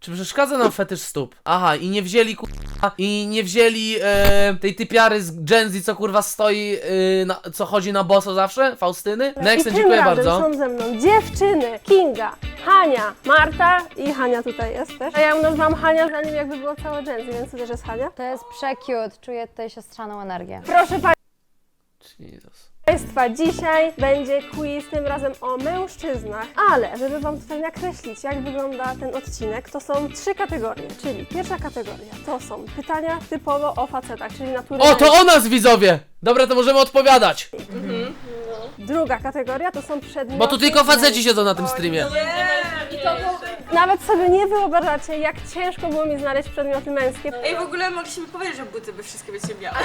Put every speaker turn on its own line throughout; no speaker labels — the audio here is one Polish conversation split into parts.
Czy przeszkadza nam fetysz stóp? Aha, i nie wzięli kurwa, i nie wzięli tej typiary z Gen Z, co kurwa stoi, co chodzi na boso zawsze? Faustyny? Next,
I
dziękuję
tym razem
bardzo.
są ze mną dziewczyny, Kinga, Hania, Marta i Hania tutaj jest też. A ja ją nazwałam Hania, zanim jakby było całe Gen Z, więc to też jest Hania.
To jest prze-cute, czuję tutaj siostrzaną energię.
Proszę
Jesus.
Państwa, dzisiaj będzie quiz, tym razem o mężczyznach, ale żeby Wam tutaj nakreślić, jak wygląda ten odcinek, to są 3 kategorie, czyli pierwsza kategoria to są pytania typowo o facetach, czyli natury
O, to
męskiej.
o nas widzowie! Dobra, to możemy odpowiadać.
Druga kategoria to są przedmioty...
Bo tu tylko faceci siedzą na tym streamie.
Nawet sobie nie wyobrażacie, jak ciężko było mi znaleźć przedmioty męskie.
Ej, w ogóle mogliśmy powiedzieć, że buty by wszystkie bycie miały.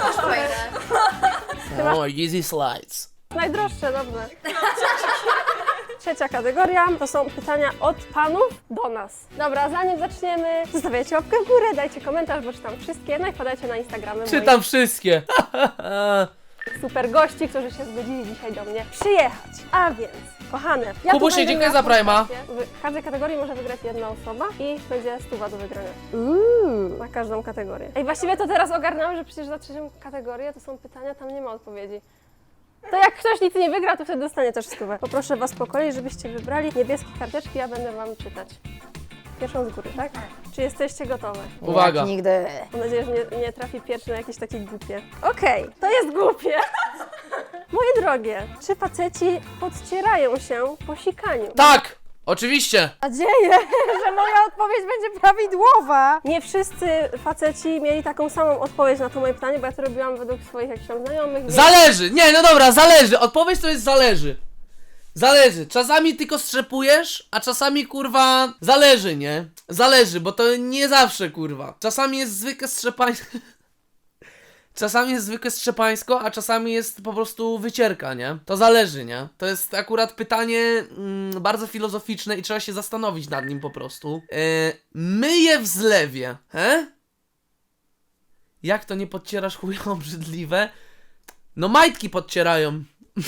O, easy slides.
Najdroższe, dobrze. Trzecia kategoria to są pytania od panów do nas. Dobra, zanim zaczniemy, zostawiajcie łapkę w górę, dajcie komentarz, bo czytam wszystkie, no i wpadajcie na Instagramy
Czytam wszystkie.
moich super gości, którzy się zgodzili dzisiaj do mnie przyjechać. A więc, kochane, ja tu
Kubusie,
będę
dziękuję
miała
za Prima.
konstację. W każdej kategorii może wygrać jedna osoba i będzie 100 do wygrania. Na każdą kategorię. Ej, właściwie to teraz ogarnąłem, że przecież za trzecią kategorię to są pytania, tam nie ma odpowiedzi. To jak ktoś nic nie wygra, to wtedy dostanie też 100. Poproszę Was po kolei, żebyście wybrali niebieskie karteczki, ja będę Wam czytać. Pierwszą z góry, tak? Czy jesteście gotowe?
Uwaga.
Jak nigdy.
Mam nadzieję, że nie trafi pierwszy na jakieś takie głupie. Okej, to jest głupie. Moje drogie, czy faceci podcierają się po sikaniu?
Tak! Oczywiście!
Nadzieję, że moja odpowiedź będzie prawidłowa.
Nie wszyscy faceci mieli taką samą odpowiedź na to moje pytanie, bo ja to robiłam według swoich jakichś tam znajomych. więc-
Zależy! Nie, no dobra, zależy. Odpowiedź to jest zależy. Zależy. Czasami tylko strzepujesz, a czasami kurwa zależy, nie? Zależy, bo to nie zawsze kurwa. Czasami jest zwykłe strzepańsko. Czasami jest zwykłe strzepańsko, a czasami jest po prostu wycierka, nie? To zależy, nie? To jest akurat pytanie bardzo filozoficzne i trzeba się zastanowić nad nim po prostu. Myję w zlewie, he? Jak to nie podcierasz chuja obrzydliwe? No majtki podcierają.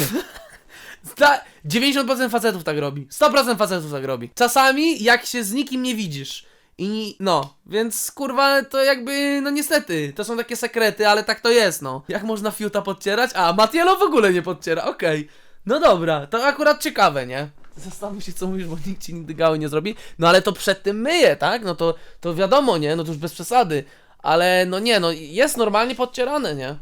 90% facetów tak robi. 100% facetów tak robi. Czasami jak się z nikim nie widzisz. I no, więc kurwa to jakby, no niestety, to są takie sekrety, ale tak to jest, no. Jak można fiuta podcierać? A, Matielo w ogóle nie podcierra, okej. No dobra, to akurat ciekawe, nie? Zastanów się co mówisz, bo nikt ci nigdy gały nie zrobi. No ale to przed tym myje, tak? No to wiadomo, nie? No to już bez przesady. Ale no nie, no jest normalnie podcierane, nie?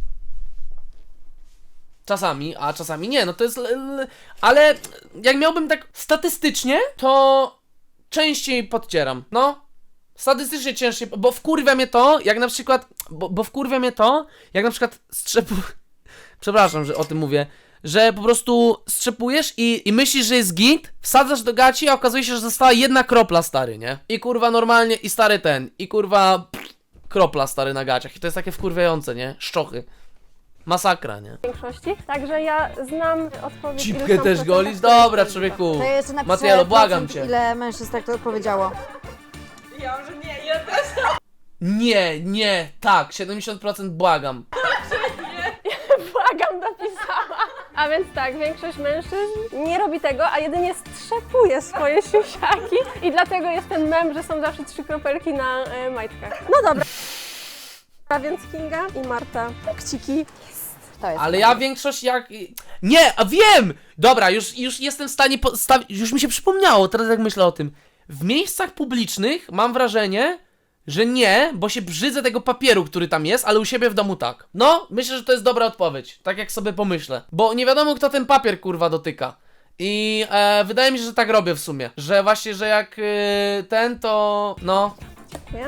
Czasami, a czasami nie, no to jest... Ale jak miałbym tak statystycznie, to częściej podcieram, no. Statystycznie ciężej, bo wkurwia mnie to, jak na przykład... Bo wkurwia mnie to, jak na przykład Przepraszam, że o tym mówię. Że po prostu strzepujesz i myślisz, że jest git, wsadzasz do gaci, a okazuje się, że została jedna kropla, stary, nie? I kurwa normalnie, i stary ten, i kurwa... kropla, stary, na gaciach. I to jest takie wkurwiające, nie? Szczochy. Masakra, nie?
W większości. Także ja znam odpowiedź. ile
Cipkę
są
też
procentach
golisz?
których
Dobra,
jest
człowieku.
To jeszcze napiszę
Matielo, błagam
procent,
cię.
ile mężczyzn tak to odpowiedziało.
Ja może nie, ja też.
Nie, tak, 70% błagam.
Błagam, napisała. A więc tak, większość mężczyzn nie robi tego, a jedynie strzepuje swoje siusiaki i dlatego jest ten mem, że są zawsze 3 kropelki na majtkach. No dobra. A więc Kinga i Marta, kciki.
To jest.
Ale ja większość jak... Nie, a wiem! Dobra, już jestem w stanie już mi się przypomniało, teraz jak myślę o tym. W miejscach publicznych mam wrażenie, że nie, bo się brzydzę tego papieru, który tam jest, ale u siebie w domu tak. No, myślę, że to jest dobra odpowiedź, tak jak sobie pomyślę. Bo nie wiadomo, kto ten papier kurwa dotyka. I wydaje mi się, że tak robię w sumie. Że właśnie, że jak ten, to... no...
Dziękuję.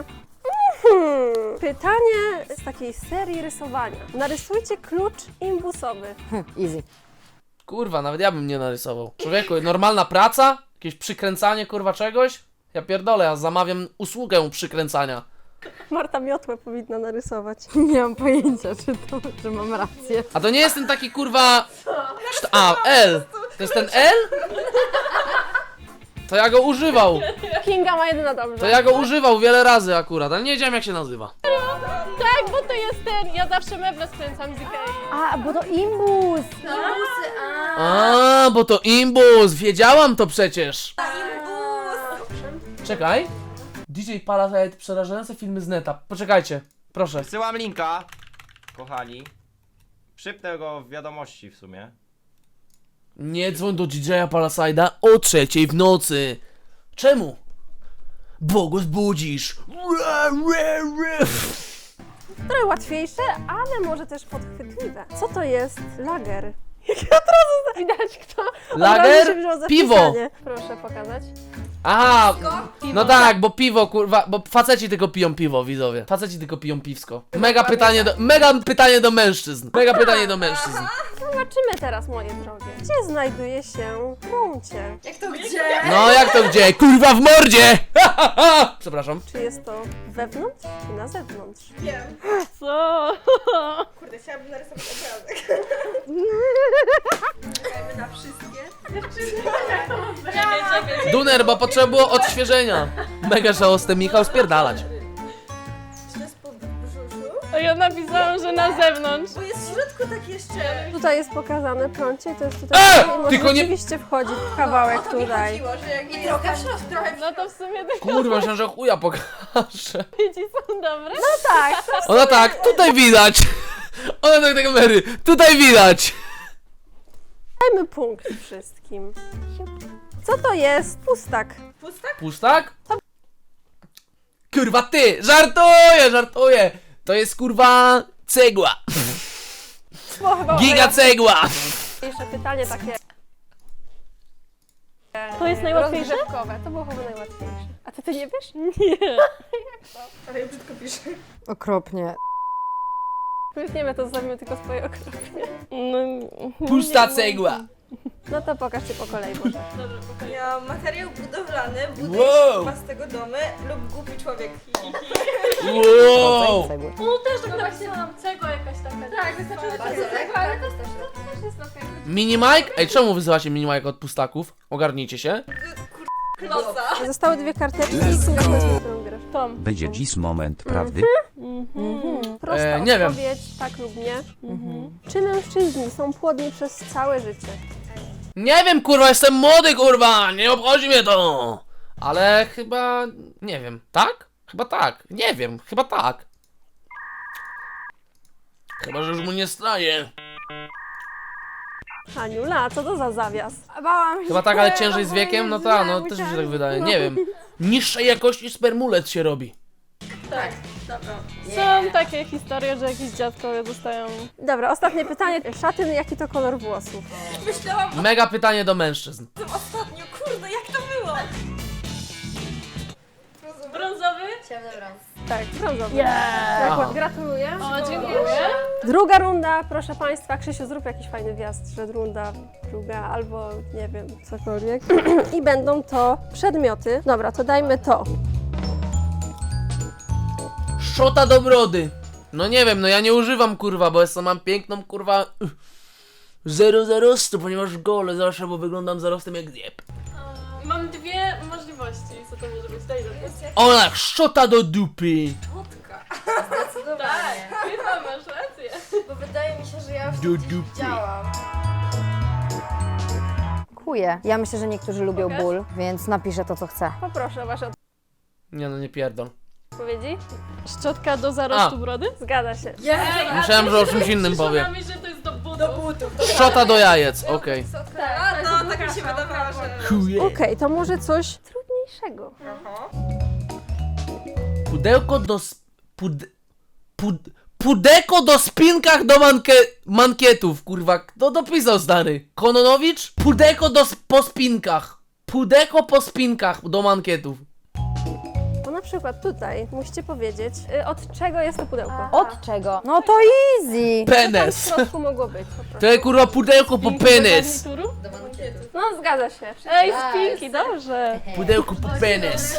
Pytanie z takiej serii rysowania. Narysujcie klucz imbusowy.
Easy.
Kurwa, nawet ja bym nie narysował. Człowieku, normalna praca? Jakieś przykręcanie kurwa czegoś? Ja pierdolę, ja zamawiam usługę przykręcania.
Marta miotłę powinna narysować.
Nie mam pojęcia, czy mam rację.
A to nie jest ten taki kurwa... A, L. To jest ten L? To ja go używał.
Kinga ma jedyna dobrze.
To ja go używał wiele razy akurat, ale nie wiedziałem jak się nazywa.
Tak, bo to jest ten, ja zawsze meble skręcam z Ikei.
A, bo to imbus!
A, bo to imbus, wiedziałam to przecież. Czekaj. DJ Palasite, przerażające filmy z neta. Poczekajcie, proszę.
Wysyłam linka, kochani. Przypnę go w wiadomości w sumie.
Nie dzwoń do DJ-a Palaside'a o 3:00 w nocy. Czemu? Bo go zbudzisz.
Trochę łatwiejsze, ale może też podchwytliwe. Co to jest lager? Jak od razu widać kto od razu się
Lager?
wziął za
Piwo.
pisanie. Proszę pokazać.
Aha, no tak, bo piwo, kurwa, bo faceci tylko piją piwo, widzowie. Faceci tylko piją piwsko. Mega pytanie do mężczyzn. Mega pytanie do mężczyzn.
Zobaczymy teraz, moje drogie. Gdzie znajduje się prącie?
Jak to gdzie?
No jak to gdzie? Kurwa w mordzie! Przepraszam.
Czy jest to wewnątrz, czy na zewnątrz?
Wiem.
Co?
Kurde, chciałabym narysować obrazek. Czekajmy na wszystkie.
Duner, bo potrzeba było odświeżenia. Mega żałosny Michał, spierdalać.
Czy to jest po brzuszu?
A ja napisałam, że na zewnątrz.
Bo jest w środku tak jeszcze.
Tutaj jest pokazane prącie i to jest tutaj. Może
tylko nie-
rzeczywiście wchodzi w kawałek
O to mi
tutaj.
chodziło, że jakby I trochę w środku, trochę w
No to w sumie te
Kurwa, myślałem, że chuja pokażę.
dzieci są dobre.
No tak, to
Ona tak, tutaj widać. Ona tak do kamery, tutaj widać.
dajmy punkt wszystkim. Co to jest? Pustak.
pustak?
Pustak? Kurwa ty, żartuję. To jest kurwa cegła.
Bo chyba
Giga cegła.
Jeszcze pytanie takie.
To jest najłatwiejsze?
rozgrzewkowe. To było chyba najłatwiejsze. A ty nie wiesz?
Nie.
Ale ja brzydko piszę.
Okropnie.
Wytniemy to, zostawimy tylko swoje okropnie.
No,
Pusta cegła.
No to pokażcie po kolei może.
Ja materiał budowlany,
Wow.
buduj z tego domy lub głupi człowiek.
Wow.
No też tak napisałam, cegła jakaś taka. Tak, wystarczy cegła, ale to też jest okej.
Mini Mike? Ej, czemu wyzywacie Mini Mike od pustaków? Ogarnijcie się.
Kloca.
Zostały dwie karteczki i Kinga, powiedz, którą grasz.
Tom.
Będzie dziś moment prawdy.
Prosta
nie wiem.
odpowiedź, tak lub nie. Czy mężczyźni są płodni przez całe życie?
Nie wiem, kurwa, jestem młody, kurwa, nie obchodzi mnie to. Ale chyba, nie wiem, tak? Chyba tak, nie wiem, chyba tak. Chyba, że już mu nie staje.
Aniula, co to za zawias?
Bałam się.
Chyba tak, ale ciężej z wiekiem, no tak, no też mi się tak wydaje, nie wiem. Niższej jakości spermulec się robi.
Tak, dobra.
Są takie historie, że jakieś dziadkowie dostają...
Dobra, ostatnie pytanie. Szatyn, jaki to kolor włosów?
Myślałam
Mega pytanie do mężczyzn.
o tym ostatnio, kurde, jak to było?
Brązowy?
Tak, brązowy.
Aha.
Gratuluję.
O, dziękuję.
Druga runda, proszę Państwa. Krzysiu, zrób jakiś fajny wjazd, że runda druga albo nie wiem, cokolwiek. I będą to przedmioty. Dobra, to dajmy to.
Szczota do brody. No nie wiem, no ja nie używam, kurwa, bo mam piękną, kurwa... Zero zarostu, ponieważ gole zawsze, bo wyglądam zarostem jak zjeb.
Mam dwie możliwości, co to może być. Daj do
Ona, szczota do dupy.
Tak, chyba masz rację.
Bo wydaje mi się, że ja już
Do dupy.
widziałam.
Dziękuję. Ja myślę, że niektórzy lubią ból, więc napiszę to, co chcę.
Poproszę o Wasze
Nie no, nie pierdol.
odpowiedzi.
Szczotka do zarostu brody?
Zgadza się.
Myślałem, że o czymś innym powie.
Przyszło na myśl, że to jest do butów.
Do butów.
Szczota do jajec, okej.
A, no, tak mi się wydawało, że...
Chuje.
Okej, to może coś trudniejszego.
Pudełko do Pudeko do spinkach do mankietów, kurwa. Kto dopisał, stary? Kononowicz? Pudeko po spinkach. Pudeko po spinkach do mankietów.
Bo na przykład tutaj musicie powiedzieć, od czego jest to pudełko.
Od czego? No to easy!
Tam w
Penes.
środku mogło być. Po prostu.
To jest kurwa pudełko po penis.
Garnituru?
No, zgadza się.
Ej, spinki, dobrze.
Pudełko po penis.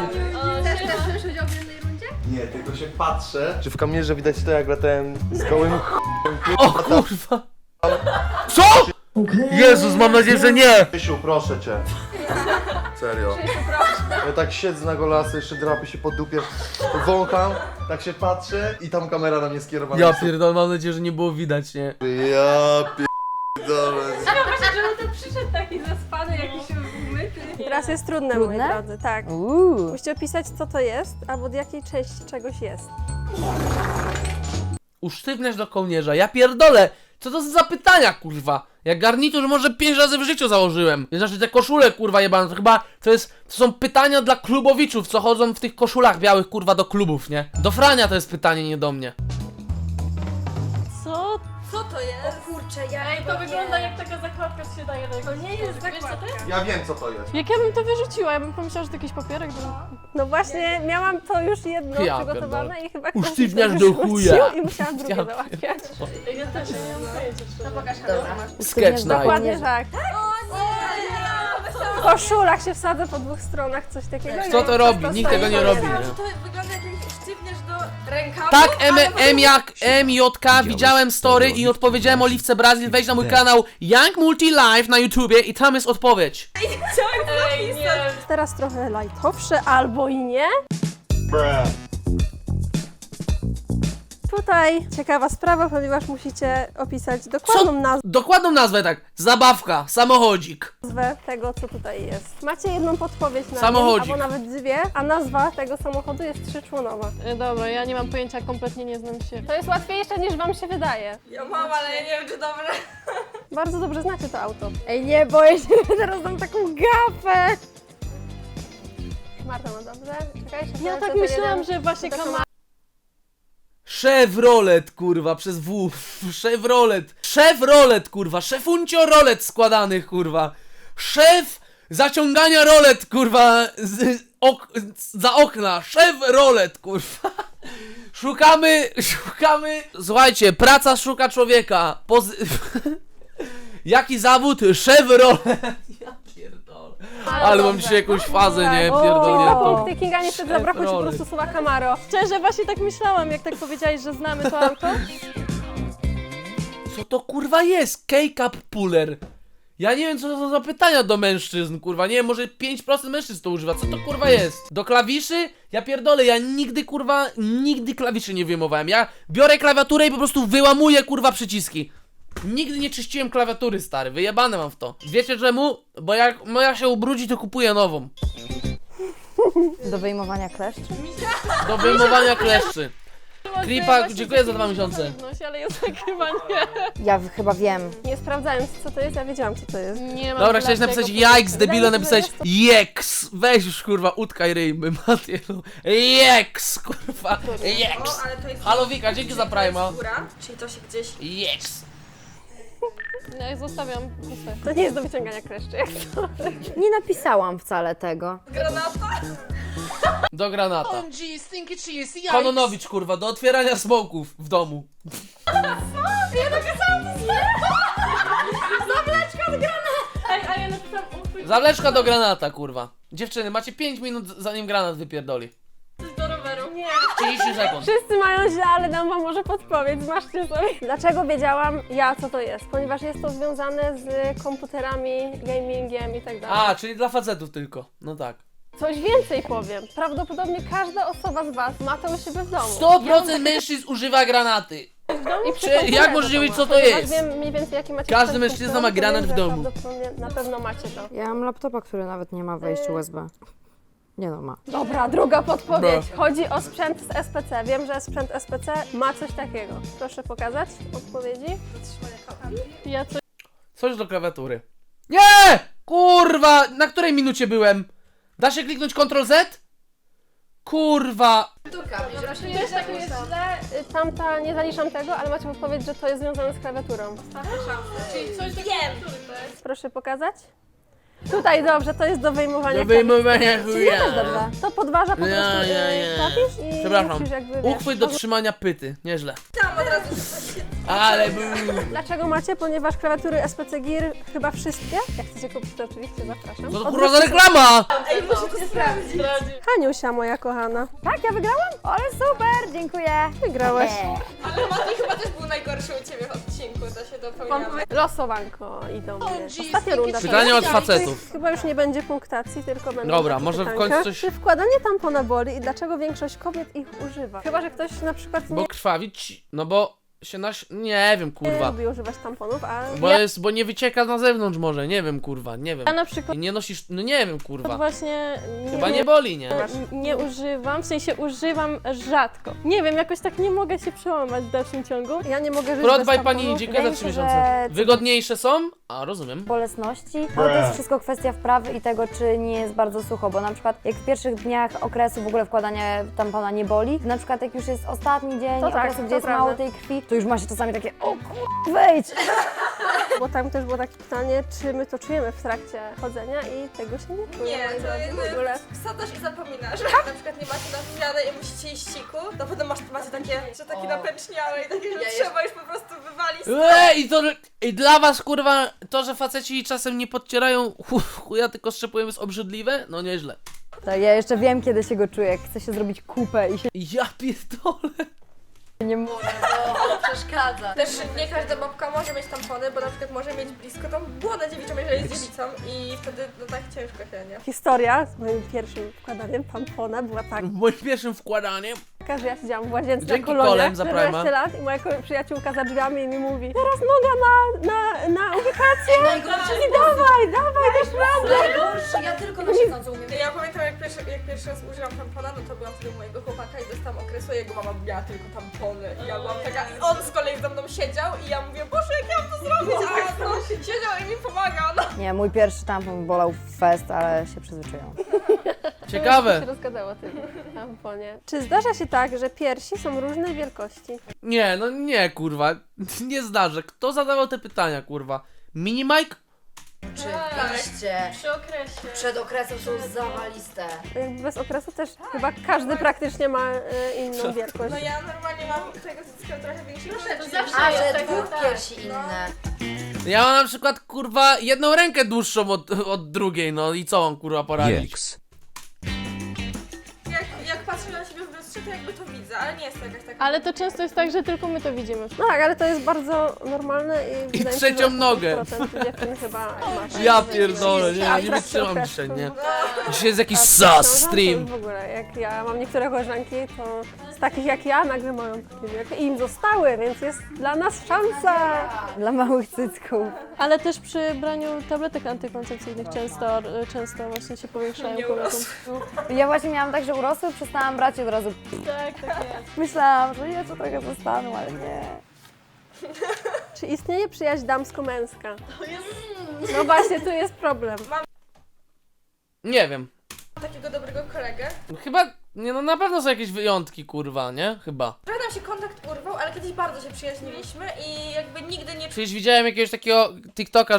Nie, tylko się patrzę, czy w kamerze widać to, jak latałem z gołym
O kurwa. Co? Jezus, mam nadzieję, że nie.
Krzysiu, proszę cię. Serio. Ja tak siedzę na golasy, jeszcze drapię się po dupie, wącham, tak się patrzę i tam kamera na mnie skierowana.
Ja pierdolę, mam nadzieję, że nie było widać, nie?
Ja pierdolę.
Właśnie, żeby to przyszedł taki zaspany, jakiś umyty.
Teraz jest trudne,
Trudne?
moi drodzy, tak.
Uuu.
Musicie opisać, co to jest, albo od jakiej części czegoś jest.
Usztywniasz do kołnierza. Ja pierdolę! Co to za pytania, kurwa? Ja garnitur może 5 razy w życiu założyłem. Znaczy te koszule, kurwa, jebane. To chyba to są pytania dla klubowiczów, co chodzą w tych koszulach białych, kurwa, do klubów, nie? Do Frania to jest pytanie, nie do mnie.
Co?
Co to jest? O kurczę, ja
Ej, to wygląda jak taka zakładka, co się daje do
To nie jest
Wiesz, co to jest?
Ja wiem co to jest.
Jak ja bym to wyrzuciła, ja bym pomyślała, że to jakiś papierek.
No właśnie, miałam to już jedno
Ja
przygotowane
pierdolę.
i chyba ktoś
Usztywniasz
to
do
wyrzucił
chuja.
I musiałam drugie
Ja
załatwiać.
Ja też nie mam pojęcia.
No pokaż,
Sketch night.
Dokładnie tak. W koszulach się wsadza po dwóch stronach, coś takiego.
Kto to robi? Nikt tego nie robi.
Myślałam,
Nie?
że to wygląda jak sztywniesz do rękawu.
Tak,
ale
jak MJK, widziałem story i odpowiedziałem Oliwce Brazil, wejdź na mój kanał Young Multi Live na YouTubie i tam jest odpowiedź.
Ej, nie.
Teraz trochę lajtowsze, albo i nie. Tutaj ciekawa sprawa, ponieważ musicie opisać dokładną
Dokładną nazwę tak, zabawka, samochodzik.
nazwę tego, co tutaj jest. Macie jedną podpowiedź na
Samochodzik.
albo nawet dwie, a nazwa tego samochodu jest trzyczłonowa.
Dobra, ja nie mam pojęcia, kompletnie nie znam się.
To jest łatwiejsze niż wam się wydaje.
Ja mam, ale ja nie wiem, czy dobrze.
Bardzo dobrze znacie to auto. Ej, nie, boję się, że teraz dam taką gafę. Marta ma dobrze? Czekaj,
Ja tak myślałam, że właśnie kamera.
Chevrolet, kurwa, przez W. Chevrolet. Chevrolet, kurwa. Szefuncio rolet składanych, kurwa. Szef zaciągania rolet, kurwa, za okna. Chevrolet, kurwa. Szukamy. Słuchajcie, praca szuka człowieka. Jaki zawód? Chevrolet. Ja pierdolę. Ale mam dzisiaj jakąś fazę, nie? Pierdolę.
Punkty Kinga niestety zabrakło ci po prostu słowa Camaro.
Szczerze, właśnie tak myślałam, jak tak powiedziałeś, że znamy to auto.
Co to kurwa jest? K-Cup Puller. Ja nie wiem co to są za pytania do mężczyzn, kurwa. Nie wiem, może 5% mężczyzn to używa. Co to kurwa jest? Do klawiszy? Ja pierdolę, ja nigdy kurwa, nigdy klawiszy nie wyjmowałem. Ja biorę klawiaturę i po prostu wyłamuję kurwa przyciski. Nigdy nie czyściłem klawiatury, stary. Wyjebane mam w to. Wiecie czemu? Bo jak moja się ubrudzi, to kupuję nową.
Do wyjmowania kleszczy?
Do wyjmowania kleszczy. Kripa, dziękuję za 2 miesiące.
Ale ja tak chyba nie.
Ja chyba wiem.
Nie sprawdzając co to jest, ja wiedziałam co to jest.
Nie mam
Dobra, chciałeś
dlaczego
napisać
powiedzieć.
jajks, debilo, napisać jeks. Weź już kurwa, utkaj ryjmy, Matielu. Jeks, kurwa, jeks.
O, ale to jest...
Halo Wika, dzięki za Prima.
Góra, czyli to się gdzieś...
Jeks.
Ja zostawiam puste.
To nie jest do wyciągania kleszczy, jak to.
Nie napisałam wcale tego.
Granata?
Do granata. Kononowicz, kurwa, do otwierania smoków w domu.
Ej, a ja napisałam uchwyt
Zawleczka do granata, kurwa. Dziewczyny, macie 5 minut zanim granat wypierdoli.
do roweru. Nie.
30 sekund.
Wszyscy mają źle, ale dam wam może podpowiedź, zmarzcie sobie. Dlaczego wiedziałam ja, co to jest? Ponieważ jest to związane z komputerami, gamingiem i tak dalej.
A, czyli dla facetów tylko. No tak.
Coś więcej powiem. Prawdopodobnie każda osoba z was ma to u siebie w domu.
100% mężczyzn używa granaty.
I przy
Czy- jak
komputerze
możecie
to
wiedzieć,
ma.
co to
Ponieważ
jest?
Wiem mniej więcej jaki macie
Każdy
sprzęt
mężczyzna
komputerowy,
ma granat
to
w
wiem, że
domu.
Prawdopodobnie na pewno macie to.
Ja mam laptopa, który nawet nie ma wejścia USB. Nie no, ma.
Dobra, druga podpowiedź. Chodzi o sprzęt z SPC. Wiem, że sprzęt SPC ma coś takiego. Proszę pokazać odpowiedzi.
Ja coś
Coś do klawiatury. Nie! Kurwa! Na której minucie byłem? Da się kliknąć Ctrl Z? Kurwa!
Też tak jest źle. Tamta, nie zaliczam tego, ale macie podpowiedź, że to jest związane z klawiaturą.
Czyli coś do klawiatury, tak?
Proszę pokazać. Tutaj dobrze, to jest do wyjmowania
Do wyjmowania
klawiszy.
chuja.
Też dobrze. To podważa po prostu
Ja.
klawisz i
Przepraszam.
musisz jakby, wiesz,
Uchwyt do trzymania pyty. Nieźle.
Tam od razu...
Ale był.
Dlaczego macie? Ponieważ klawiatury SPC Gear chyba wszystkie, jak chcecie kupić to oczywiście zapraszam.
Co to kurwa za reklama?
Ej, muszę to sprawdzić.
Haniusia moja kochana.
Tak, ja wygrałam? Ale super, dziękuję.
Wygrałaś.
Ale Mati chyba też był najgorszy u ciebie w odcinku, to się dopełniamy.
Losowanko idą. Ostatnia runda.
Pytanie od
To
facetów.
chyba już nie będzie punktacji, tylko będą
Dobra,
takie
może w
pytanka.
końcu coś-
Czy wkładanie tampona boli i dlaczego większość kobiet ich używa? Chyba, że ktoś na przykład nie
Bo krwawić, no bo Nie wiem,
Nie
kurwa.
lubi używać tamponów, a
Bo nie wycieka na zewnątrz może, nie wiem, kurwa, nie wiem.
Ja na przykład
I nie nosisz, no nie wiem, kurwa.
właśnie
Chyba nie boli, nie?
nie używam, w sensie używam rzadko. Nie wiem, jakoś tak nie mogę się przełamać w dalszym ciągu.
ja nie mogę żyć
Prod
bez
by
tamponów.
pani, dziękuję za
Wydaje
3
mi się,
miesiące.
że-
Wygodniejsze są? A, rozumiem.
bolesności, ale to jest wszystko kwestia wprawy i tego, czy nie jest bardzo sucho, bo na przykład jak w pierwszych dniach okresu w ogóle wkładanie tampona nie boli, na przykład jak już jest ostatni dzień
To tak,
okresu,
to
gdzie jest
prawda.
mało tej krwi, to już ma się czasami takie, o kur... wejdź!
Bo tam też było takie pytanie, czy my to czujemy w trakcie chodzenia i tego się nie czuje.
Nie,
moi
to
drodzy,
jest
w ogóle.
wsadzasz i zapominasz. Jak na przykład nie macie na zmianę i musicie iść siku, to potem macie takie, że takie napęczniałe i takie, że trzeba już po prostu wywalić.
I dla was, kurwa, to, że faceci czasem nie podcierają chuja, tylko strzepują, jest obrzydliwe? No nieźle.
To ja jeszcze wiem, kiedy się go czuję, jak chce się zrobić kupę i się
Ja pierdolę.
nie może.
Przeszkadza.
Też nie każda babka może mieć tampony, bo na przykład może mieć blisko tą błodę dziewiczą, jeżeli jest dziewicą i wtedy no tak ciężko się, nie?
Historia z moim pierwszym wkładaniem tampona była taka,
Moim pierwszym wkładaniem.
że ja siedziałam w łazience
Dzięki
na kolonie,
Kolem za
14
Prima.
lat i moja przyjaciółka za drzwiami mi mówi teraz noga na ubikację i dawaj, dasz radę.
Najgorszy, ja tylko na siedząco umiem.
Ja pamiętam jak pierwszy raz użyłam tampona, no to byłam wtedy u mojego chłopaka i dostałam okresu, jego mama miała tylko tampony i ja byłam taka, i on z kolei ze mną siedział i ja mówię, Boże, jak ja mam to zrobić, a on siedział i mi pomagał, no.
Nie, mój pierwszy tampon bolał w fest, ale się przyzwyczaiłam.
się
Ciekawe.
rozgadało o tym tamponie. Czy zdarza się tak, że piersi są różnej wielkości?
Nie, no nie, kurwa. Nie zdarzę. Kto zadawał te pytania, kurwa? Mini Mike?
Oczywiście.
Przy okresie.
Przed okresem są zawaliste.
Bez okresu też chyba każdy praktycznie ma inną wielkość.
No ja normalnie mam tego cycka trochę większego.
To zawsze
A,
jest
że
tak,
dwóch
tak.
piersi inne.
Ja mam na przykład, kurwa, jedną rękę dłuższą od drugiej, no i co mam, kurwa, poradzić?
Jak patrzę na siebie w lustrze, to jakby to widzę, ale nie jest to jakaś taka...
Ale to często jest tak, że tylko my to widzimy.
No tak, ale to jest bardzo normalne i wydaje mi się,
trzecią
że
nogę.
80% dziewczyn chyba ma.
Ja pierdolę, nie,
A
nie
w trakcie
wytrzymam
okresu,
dzisiaj, nie?
no.
Dzisiaj jest jakiś
A
sas
przeciążam, to
stream.
już w ogóle, jak ja mam niektóre koleżanki, to z takich jak ja nagle mają takie wielkie i im zostały, więc jest dla nas szansa.
Dla małych cycków.
Ale też przy braniu tabletek antykoncepcyjnych często właśnie się powiększają kobietą.
Ja właśnie miałam tak, że urosły, przestałam brać i od razu
Tak, tak jest.
myślałam, że jeszcze trochę zostaną, ale nie.
Czy istnieje przyjaźń damsko-męska? No właśnie, tu jest problem.
Nie wiem.
Takiego dobrego kolegę.
Chyba, nie no, na pewno są jakieś wyjątki, kurwa, nie? Chyba.
Trochę nam się kontakt urwał, ale kiedyś bardzo się przyjaźniliśmy i jakby nigdy nie
Przecież widziałem jakiegoś takiego TikToka,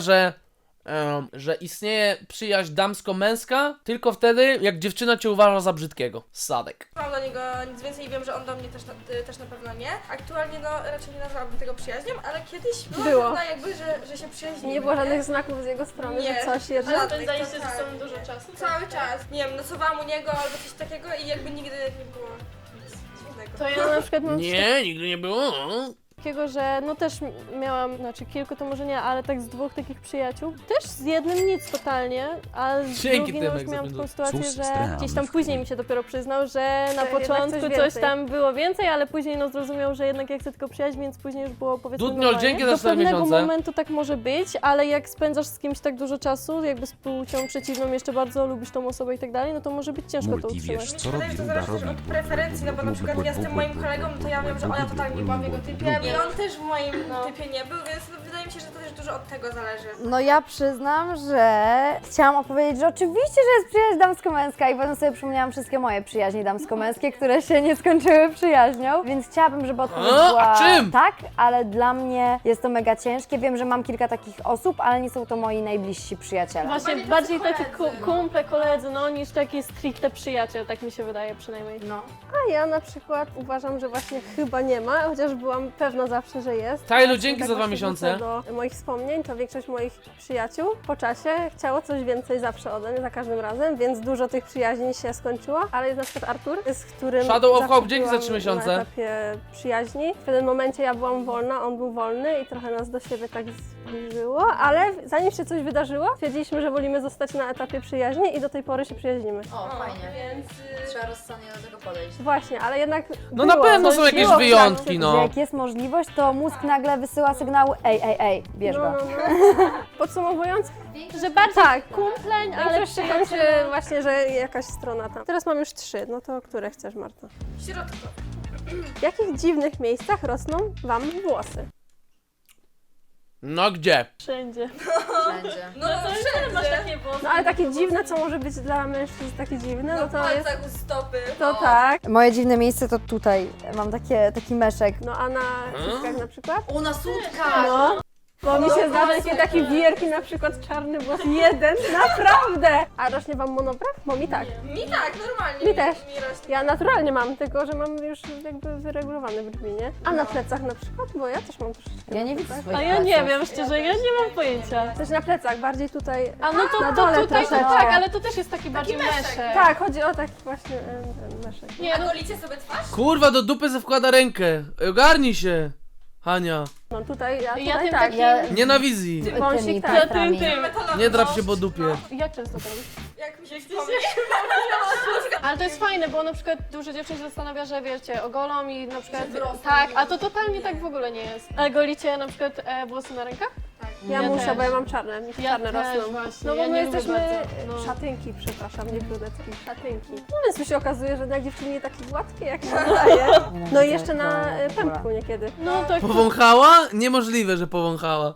że istnieje przyjaźń damsko-męska tylko wtedy, jak dziewczyna cię uważa za brzydkiego. Sadek.
mam do niego nic więcej i wiem, że on do mnie też na pewno nie. Aktualnie no raczej nie nazwałabym tego przyjaźnią, ale kiedyś
Było.
pewna jakby, że się przyjaźnimy.
Nie było żadnych znaków z jego strony,
Nie.
że coś jest.
Ale
Spędzaliście ze sobą dużo czasu.
Cały czas. Nie wiem, nocowałam u niego albo coś takiego i jakby nigdy nie było nic dziwnego.
To ja na przykład mam coś
Nie, nigdy nie było.
takiego, że no też miałam, znaczy kilku to może nie, ale tak z dwóch takich przyjaciół. Też z jednym nic totalnie, a z
Dzięki,
drugim no już
Tymek, za
miałam
ten
taką sytuację,
Sus
że
stram.
gdzieś tam później mi się dopiero przyznał, że na
jednak
początku
coś
coś
więcej.
tam było więcej, ale później no zrozumiał, że jednak ja chcę tylko przyjaźń, więc później już było powiedzmy
Dudniol,
normalnie.
dzięki za
Do
4
pewnego
miesiące.
momentu tak może być, ale jak spędzasz z kimś tak dużo czasu, jakby z płcią przeciwną, jeszcze bardzo lubisz tą osobę i tak dalej, no to może być ciężko to
Multi,
utrzymać.
wiesz, co
Wydaje
robi
mi się, że
ryba,
to zależy
robi
też od preferencji, no bo na przykład ja z tym moim kolegą, to ja wiem, że ona totalnie była w jego typie i on też w moim typie nie był, więc no, wydaje mi się, że to też dużo od tego zależy.
No ja przyznam, że chciałam opowiedzieć, że oczywiście, że jest przyjaźń damsko-męska i potem sobie przypomniałam wszystkie moje przyjaźnie damsko-męskie, które się nie skończyły przyjaźnią, więc chciałabym, żeby odpowiedź
A
była
czym?
tak, ale dla mnie jest to mega ciężkie. Wiem, że mam kilka takich osób, ale nie są to moi najbliżsi przyjaciele.
Właśnie bardziej taki kumple, koledzy, no niż taki stricte przyjaciel, tak mi się wydaje przynajmniej.
No.
A ja na przykład uważam, że właśnie chyba nie ma, chociaż byłam pewna zawsze, że jest.
Tajlu, dzięki
Tak
za 2
właśnie
miesiące.
wrócę do moich wspomnień, to większość moich przyjaciół po czasie chciało coś więcej zawsze ode mnie, za każdym razem, więc dużo tych przyjaźni się skończyło, ale jest na przykład Artur, z którym
Shadow of
zawsze
Hope, dzięki za
byłam
3 miesiące.
na etapie przyjaźni. W pewnym momencie ja byłam wolna, on był wolny i trochę nas do siebie tak zbliżyło, ale zanim się coś wydarzyło, stwierdziliśmy, że wolimy zostać na etapie przyjaźni i do tej pory się przyjaźnimy.
O, fajnie.
Więc
Trzeba rozsądnie do tego podejść.
Właśnie, ale jednak
No na
było
pewno
coś,
są jakieś
było w
wyjątki,
trakcie.
no.
Jak jest możliwość, to mózg nagle wysyła sygnał ej, bierz go.
No. Podsumowując,
Że bardziej
tak,
kumpleń, ale
ale się kończy
przyjaciel.
właśnie, że jakaś strona tam. Teraz mam już 3, no to które chcesz, Marta?
środko.
W jakich dziwnych miejscach rosną Wam włosy?
No gdzie?
Wszędzie.
Wszędzie.
No,
To już masz takie włosy.
No ale takie dziwne, co może być dla mężczyzn takie dziwne, no
Na
to jest...
palcach u stopy.
To
no.
tak.
Moje dziwne miejsce to tutaj. Mam taki meszek.
No a na cyckach na przykład?
U nas łódka!
No. Bo mi się zdarza takie takie wielki, na przykład czarny włos, jeden, naprawdę! A rośnie Wam monobraw? Bo mi tak.
Mi tak, normalnie.
Mi też.
Mi rośnie.
Ja naturalnie mam, tylko że mam już jakby wyregulowane brwi, nie? A na plecach na przykład? Bo ja też mam troszeczkę.
Ja nie widzę swoich
A ja nie
pleców.
wiem, szczerze, ja nie mam pojęcia.
Też na plecach, bardziej tutaj.
A no to,
Na
to
dole
tutaj to
troszeczkę.
tak, ale to też jest taki bardziej
meszek.
meszek.
Tak, chodzi o taki właśnie ten meszek.
Nie,
A
no
golicie sobie twarz?
Kurwa, do dupy se wkłada rękę. Ogarnij się, Hania.
No tutaj, ja
Ja
tutaj
tym
tak.
takim-
Ja
Nie na wizji.
Wąsik,
tymi
tak.
plastrami.
Metalowy
Nie drap
nóż.
się po dupie.
jak często to robisz?
Jak mi się wspomni.
Ale to jest fajne, bo na przykład dużo dziewczyn się zastanawia, że wiecie, ogolą i na przykład tak, a to totalnie tak w ogóle nie jest. Ale golicie na przykład włosy na rękach?
Ja
Ja
muszę,
też.
bo ja mam czarne, mi się
Ja
czarne
też
rosną.
właśnie,
No bo
ja
my
nie lubię
jesteśmy
bardzo, no.
szatynki, przepraszam, nie brunetki, szatynki. No więc tu się okazuje, że jednak dziewczyny nie takie gładkie jak się wydaje. No i jeszcze na pępku niekiedy.
No tak.
Powąchała? Niemożliwe, że powąchała.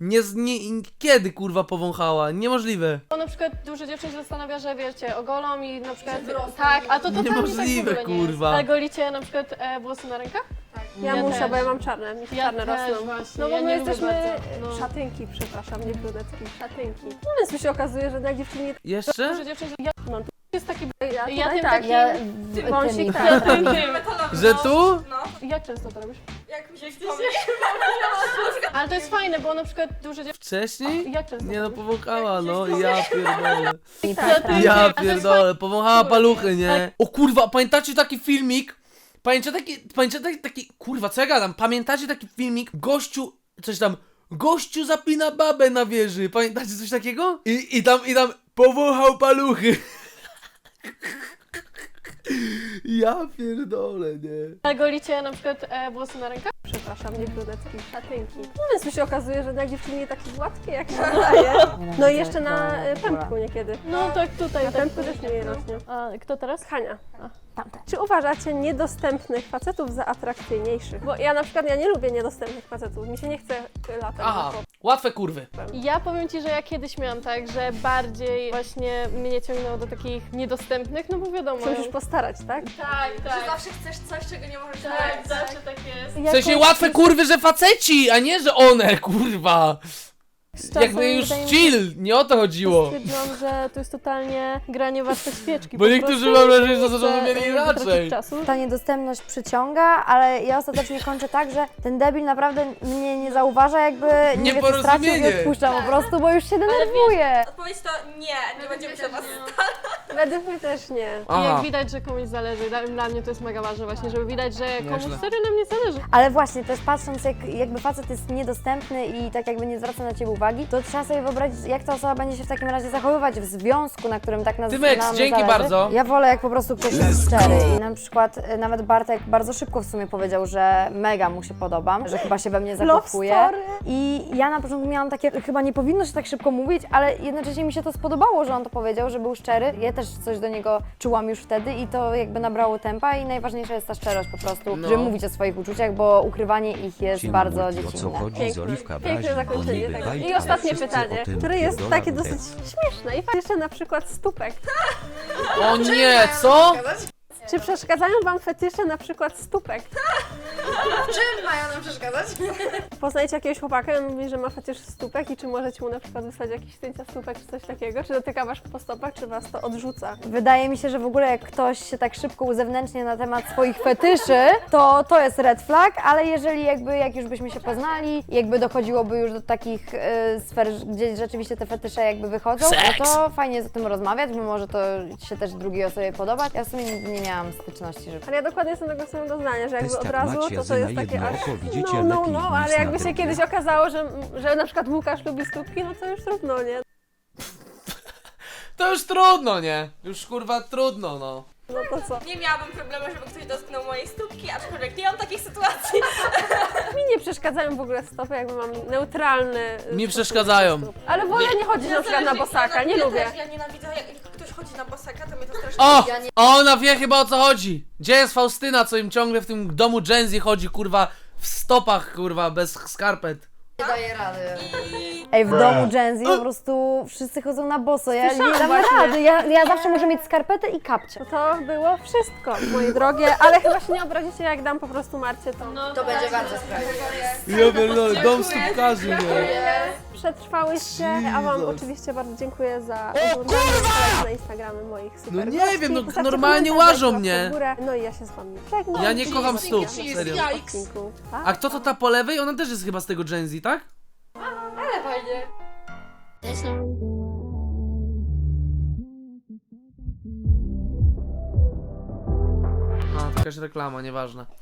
Kiedy kurwa powąchała? Niemożliwe.
Bo na przykład dużo dziewczyn się zastanawia, że wiecie, ogolą i na przykład tak, a to totalnie
Niemożliwe,
tak w ogóle nie
kurwa.
jest. Ale golicie na przykład włosy na rękach?
Ja
Ja
muszę,
też.
bo ja mam czarne, mi się
Ja
czarne
też
rosną.
właśnie,
No bo
ja
my
nie lubię
jesteśmy
bardzo, no.
szatynki, przepraszam, nie brunetki, szatynki. No więc tu się okazuje, że jednak dziewczyny nie...
Jeszcze?
Dużo dziewczyn
No,
jest taki
ja
Ja
tutaj
tym
tak.
takim-
Ja
Wąsik,
tymi
tak.
Metalowy
Że
nóż.
tu?
No.
Jak często to robisz?
Jak mi się wspomni.
Ale to jest fajne, bo na przykład dużo dziewczyn...
Wcześniej?
Jak często
Nie no,
to robisz?
powąchała, no ja pierdolę.
plastrami.
Ja
Ale to jest
pierdolę, powąchała paluchy,
Tak.
nie? O kurwa, pamiętacie taki filmik? Pamiętacie taki, kurwa, co ja gadam? Pamiętacie taki filmik? Gościu zapina babę na wieży. Pamiętacie coś takiego? I tam powąchał paluchy. Ja pierdolę, nie?
Ale golicie na przykład włosy na rękach?
Przepraszam, nie brunetki, szatynki. No więc tu się okazuje, że jednak dziewczyny nie takie gładkie jak się wydaje. No i jeszcze na pępku niekiedy.
No tak tutaj.
Na
tak
pępku też nie
no.
rośnie.
A kto teraz?
Hania,
Tamte.
czy uważacie niedostępnych facetów za atrakcyjniejszych? Bo ja na przykład, ja nie lubię niedostępnych facetów, mi się nie chce latać.
Aha,
za
łatwe kurwy.
Ja powiem Ci, że ja kiedyś miałam tak, że bardziej właśnie mnie ciągnęło do takich niedostępnych, no bo wiadomo.
się musisz postarać, tak?
Tak,
Że zawsze chcesz coś, czego nie możesz
Tak,
mieć.
zawsze tak jest.
W sensie łatwe kurwy, że faceci, a nie, że one, kurwa. Jakby już chill, nie o to chodziło.
Stwierdziłam, że to jest totalnie granie warte świeczki.
Bo
po
niektórzy
prostu.
mam wrażenie, że
Chcę,
zrozumieli
tracić
inaczej.
czasu.
Ta niedostępność przyciąga, ale ja ostatecznie kończę tak, że ten debil naprawdę mnie nie zauważa, jakby nie wie co stracił i
Nieporozumienie.
odpuszczam po prostu, bo już się denerwuje.
Odpowiedź to nie będziemy się was
Według mnie też nie.
I
Aha.
jak widać, że komuś zależy, dla mnie to jest mega ważne właśnie, żeby widać, że komuś
Nieźle.
serio na mnie zależy.
Ale właśnie, też patrząc, jakby facet jest niedostępny i tak jakby nie zwraca na ciebie uwagi, to trzeba sobie wyobrazić, jak ta osoba będzie się w takim razie zachowywać w związku, na którym tak nas
Tymek,
nam
dzięki
zależy.
bardzo.
Ja wolę, jak po prostu ktoś jest szczery. I na przykład nawet Bartek bardzo szybko w sumie powiedział, że mega mu się podobam, że chyba się we mnie
Love
zakochuje.
story.
I ja na początku miałam takie, chyba nie powinno się tak szybko mówić, ale jednocześnie mi się to spodobało, że on to powiedział, że był szczery. Ja też coś do niego czułam już wtedy i to jakby nabrało tempa i najważniejsza jest ta szczerość po prostu,
No.
żeby mówić o swoich uczuciach, bo ukrywanie ich jest bardzo
O co
dziecinne.
chodzi z
Piękne,
Oliwka
piękne
Brazi,
zakończenie
niby
tego.
bajka,
I
ale
ostatnie
wszyscy
pytanie,
o tym
które jest
wiedzą,
takie
ale
dosyć śmieszne. I jeszcze na przykład stópek.
O nie, co?
Czy przeszkadzają Wam fetysze na przykład stópek?
Czym mają nam przeszkadzać?
Poznajecie jakiegoś chłopaka i on mówi, że ma fetysz stópek i czy możecie mu na przykład wysłać jakieś zdjęcia stópek czy coś takiego? Czy dotyka Was po stopach, czy Was to odrzuca?
Wydaje mi się, że w ogóle jak ktoś się tak szybko uzewnętrznia na temat swoich fetyszy, to jest red flag, ale jeżeli jak już byśmy się poznali, jakby dochodziłoby już do takich sfer, gdzie rzeczywiście te fetysze jakby wychodzą, no to fajnie jest o tym rozmawiać, bo może to się też drugiej osobie podobać. Ja w sumie nigdy nie miałam miałam styczności, że...
Ale ja dokładnie jestem tego samego zdania, że jakby od
Testak
razu
Macia
to
za
jest
na
takie
jedno
aż...
oko widzicie
No,
lepiej
ale
niż na
jakby się
drugie.
kiedyś okazało, że na przykład Łukasz lubi stópki, no to już trudno, nie?
To już trudno, nie? Już kurwa trudno, no.
No to co?
Nie miałabym problemu, żeby ktoś dotknął mojej stópki, aczkolwiek nie mam takich sytuacji.
Mi nie przeszkadzają w ogóle stopy, jakby mam neutralny...
Mi
stosunek
przeszkadzają.
do stóp. Ale wolę nie chodzić na przykład na bosaka, nie
ja
lubię.
Też, ja nienawidzę, jak ktoś chodzi na bosaka, to mnie to strasznie...
O! Ona wie chyba o co chodzi. Gdzie jest Faustyna, co im ciągle w tym domu Gen Z chodzi, kurwa, w stopach, kurwa, bez skarpet.
Nie daję rady.
I...
Ej, w domu Gen Z po prostu wszyscy chodzą na boso, ja nie
Słyszałam
dam
właśnie.
rady, ja zawsze muszę mieć skarpetę i kapcie.
No to było wszystko, moje drogie, ale chyba się nie obrazicie, jak dam po prostu Marcie to.
No,
To będzie bardzo sprawiedliwe.
Ja pierdolę, dom stópkarzy, nie?
Przetrwałyście, a wam oczywiście bardzo dziękuję za oglądanie na Instagramy moich super
No nie
gości.
wiem, no
Postawcie
normalnie
komentarz,
łażą
łapkę
mnie.
w górę. No i ja się z wami żegnam.
Ja nie kocham stóp, serio.
Odcinku. Pa.
A kto to ta po lewej? Ona też jest chyba z tego Gen Z, tak? A, to jakaś reklama, nieważne.